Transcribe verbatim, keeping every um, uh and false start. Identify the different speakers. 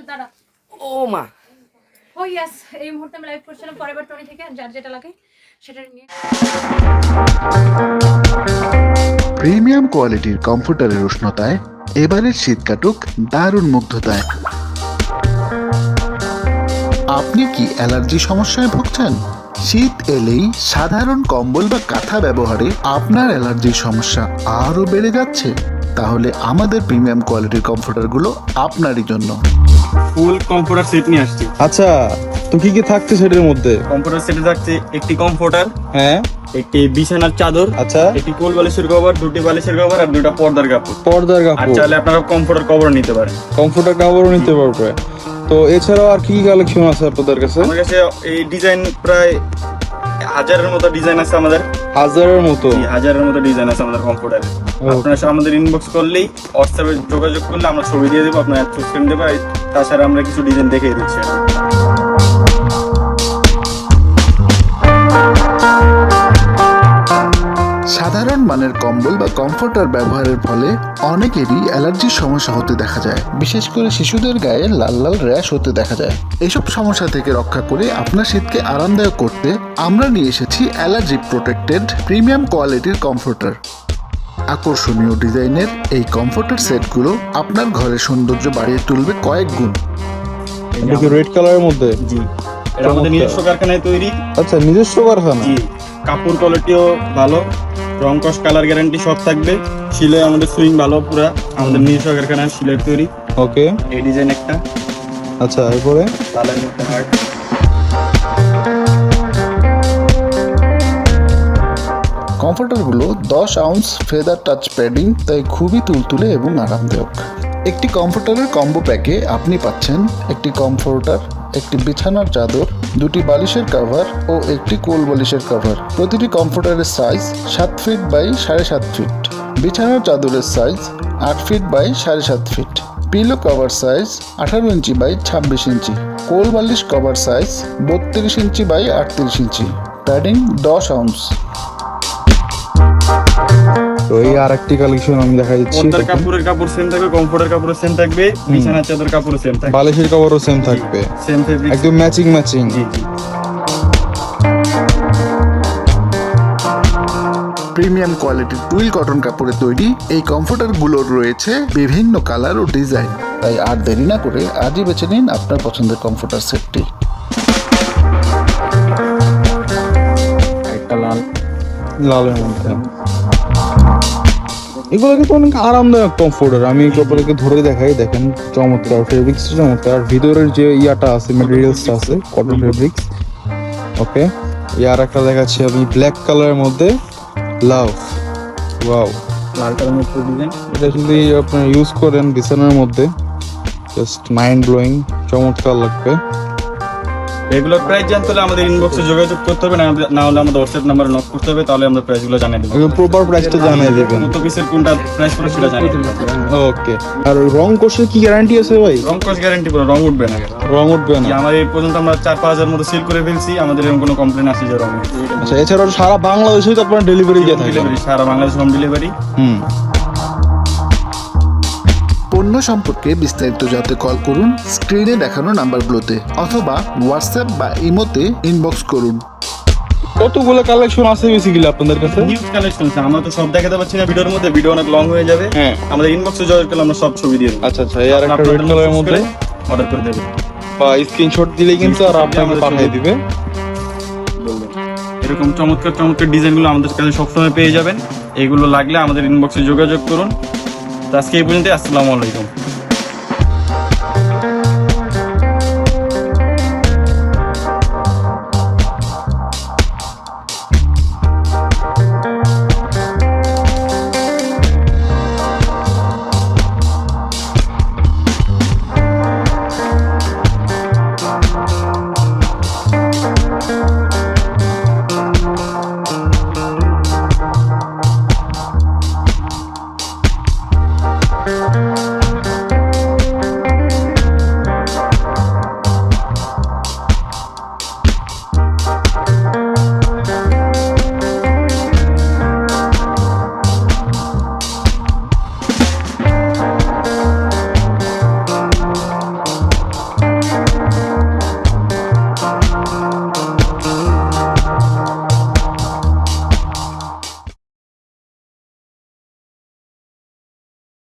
Speaker 1: দাঁড়া।
Speaker 2: ও মা
Speaker 1: ও ইয়েস, এই মুহূর্তে আমি লাইভ করছিলাম ফরএভার টোয়েন্টি থেকে, যার যেটা লাগে সেটা নিয়ে।
Speaker 3: প্রিমিয়াম কোয়ালিটির কমফোর্টারের উষ্ণতায় এবারের শীত কাটুক দারুণ মুগ্ধতায়। আপনি কি অ্যালার্জি সমস্যায় ভুগছেন? শীত এলেই সাধারণ কম্বল বা কাঁথা ব্যবহারে আপনার অ্যালার্জির সমস্যা আরও বেড়ে যাচ্ছে? তাহলে আমাদের প্রিমিয়াম কোয়ালিটির কমফোর্টারগুলো আপনারই জন্য।
Speaker 4: ফুল কমফোর্টার সেট নিয়ে আসছি।
Speaker 5: আচ্ছা, তো কি কি থাকছে সেটার মধ্যে?
Speaker 4: কমফোর্টার সেটে থাকছে একটি কমফোর্টার,
Speaker 5: হ্যাঁ,
Speaker 4: একটি বিছানার চাদর,
Speaker 5: আচ্ছা,
Speaker 4: একটি কোল বালিশের কভার, দুটি বালিশের কভার আর দুটো পর্দার কাপড়।
Speaker 5: পর্দার
Speaker 4: আর
Speaker 5: কাপড়,
Speaker 4: চাইলে আপনারা কমফোর্টার কভার নিতে পারেন।
Speaker 5: কমফোর্টার কাপড়ও নিতে পারবে। তো এছাড়াও আর কি কি কালেকশন আছে আপনাদের কাছে?
Speaker 4: আমার কাছে এই ডিজাইন প্রায় হাজারের মতো ডিজাইন আছে আমাদের।
Speaker 5: হাজারের মতো?
Speaker 4: জি, হাজারের মতো ডিজাইন আছে আমাদের কমফোর্টারে। আপনারা আমাদের ইনবক্স করলেই হোয়াটসঅ্যাপে যোগাযোগ করলে আমরা ছবি দিয়ে দেবো, আপনারা চুজ করে দেবো। তাছাড়া আমরা কিছু ডিজাইন দেখিয়ে দিচ্ছি।
Speaker 3: সাধারণ মানের কম্বল বা কমফোর্টার ব্যবহারের ফলে অনেকেরই অ্যালার্জির সমস্যা হতে দেখা যায়, বিশেষ করে শিশুদের গায়ে লাল লাল র্যাশ হতে দেখা যায়। এসব সমস্যা থেকে রক্ষা করে আপনার শীতকে আরামদায়ক করতে আমরা নিয়ে এসেছি অ্যালার্জি প্রোটেক্টেড প্রিমিয়াম কোয়ালিটির কমফোর্টার। আকর্ষণীয় ডিজাইনের এই কমফোর্টার সেটগুলো আপনার ঘরের সৌন্দর্য বাড়িয়ে তুলবে কয়েক গুণ।
Speaker 5: এটা কি রেড কালারের মধ্যে?
Speaker 4: জি, এটা আমাদের নিজস্ব কারখানায় তৈরি।
Speaker 5: আচ্ছা, নিজস্ব কারখানা?
Speaker 4: জি, কাপড় কোয়ালিটিও ভালো, রং কস কালার গ্যারান্টি সব থাকবে। সিলাই আমাদের সুইং ভালো, পুরা আমাদের নিজস্ব কারখানায় সিলাই তৈরি।
Speaker 5: ওকে,
Speaker 4: এই ডিজাইন একটা।
Speaker 5: আচ্ছা, এরপরে
Speaker 4: তালের মধ্যে হার্ট।
Speaker 3: কমফোর্টারগুলো দশ আউন্স ফেদার টাচ প্যাডিং, তাই খুবই তুলতুলে এবং আরামদায়ক। একটি কমফোর্টারের কম্বো প্যাকে আপনি পাচ্ছেন একটি কমফোর্টার, একটি বিছানার চাদর, দুটি বালিশের কভার ও একটি কোল বালিশের কভার। প্রতিটি কমফোর্টারের সাইজ সাত ফিট বাই সাড়ে সাত ফিট, বিছানার চাদরের সাইজ আট ফিট বাই সাড়ে সাত ফিট, পিলো কভার সাইজ আঠারো ইঞ্চি বাই ছাব্বিশ ইঞ্চি, কোল বালিশ কভার সাইজ বত্রিশ ইঞ্চি বাই আটত্রিশ ইঞ্চি, প্যাডিং দশ আউন্স।
Speaker 5: তো এই আর একটি কালেকশন আমি দেখা দিচ্ছি।
Speaker 4: পর্দার কাপড়ের কাপড় সেম থাকবে, কমফোর্টের কাপড় সেম থাকবে, বিছানার চাদর কাপড় সেম থাকবে,
Speaker 5: বালিশের কভারও সেম থাকবে,
Speaker 4: সেম ফেব্রিক,
Speaker 5: একদম ম্যাচিং ম্যাচিং।
Speaker 4: জি জি।
Speaker 3: প্রিমিয়াম কোয়ালিটির টুইল কটন কাপড়ে তৈরি এই কমফোর্টারগুলোর রয়েছে বিভিন্ন কালার ও ডিজাইন, তাই আর দেরি না করে আজই বেছে নিন আপনার পছন্দের কমফোর্টার সেটটি।
Speaker 4: একটা লাল,
Speaker 5: লালের মধ্যে এগুলো কিন্তু অনেক আরামদায়ক কমফোর্টার। আমি কাপড়কে ধরে দেখাই, দেখেন চমৎকার ফেব্রিক্স, চমৎকার। ভিতরের যে ইয়াটা আছে, ম্যাটেরিয়ালসটা আছে কটন ফেব্রিক্স। ওকে, ইয়ার একটা দেখাচ্ছি আমি ব্ল্যাক কালারের মধ্যে, লাভ, ওয়াও,
Speaker 4: লালটার মধ্যে ডিজাইন।
Speaker 5: এটা যদি আপনারা ইউজ করেন বিছানার মধ্যে, জাস্ট মাইন্ড ব্লোয়িং, চমৎকার লাগবে।
Speaker 4: এগুলোর প্রাইস জানতে হলে আমাদের ইনবক্সে যোগাযোগ করতে হবে, না হলে আমাদের হোয়াটসঅ্যাপ নাম্বারে নক করতে হবে, তাহলে আমরা প্রাইসগুলো জানিয়ে দেবো।
Speaker 5: একদম প্রপার প্রাইসটা জানিয়ে দেবেন।
Speaker 4: কত পিসের কোনটা প্রাইস পড়ে সেটা জানিয়ে দেবো।
Speaker 5: ওকে, আর রং কোর্সের কি গ্যারান্টি আছে ভাই?
Speaker 4: রং কস গ্যারান্টি পুরো, রং উঠবে না।
Speaker 5: রং উঠবে না?
Speaker 4: আমার এই পর্যন্ত আমরা চার পাঁচ হাজার মতো সেল করে ফেলছি, আমাদের এরকম কোনো কমপ্লেন আসে যে রং।
Speaker 5: আচ্ছা, এছাড়াও সারা বাংলাদেশে তো আপনারা ডেলিভারি দিয়ে থাকেন?
Speaker 4: ডেলিভারি সারা বাংলাদেশ হোম ডেলিভারি।
Speaker 5: হুম।
Speaker 3: পণ্য সম্পর্কে বিস্তারিত জানতে কল করুন স্ক্রিনে দেখানো নাম্বারগুলোতে, অথবা হোয়াটসঅ্যাপ বা ইমোতে ইনবক্স করুন।
Speaker 5: কতগুলো কালেকশন আছে বেসিক্যালি আপনাদের কাছে?
Speaker 4: নিউজ কালেকশন আছে, আমরা তো সব দেখাতে পারছি না ভিডিওর মধ্যে, ভিডিও অনেক লং হয়ে যাবে।
Speaker 5: হ্যাঁ,
Speaker 4: আমাদের ইনবক্সে যোগাযোগ করলে আমরা সব ছবি দিয়ে দেবো।
Speaker 5: আচ্ছা আচ্ছা, এই আর একটা রেড কালারের মধ্যে
Speaker 4: অর্ডার করে দেবে
Speaker 5: বা স্ক্রিনশট দিলেই কিন্তু আর আপনাকে পাঠিয়ে দিবে।
Speaker 4: বলবেন এরকম চমৎকার চমৎকার ডিজাইনগুলো আমাদের কাছে সবসময় পেয়ে যাবেন। এগুলো লাগলে আমাদের ইনবক্সে যোগাযোগ করুন। তো আজকে এই পর্যন্ত, আসসালামু আলাইকুম।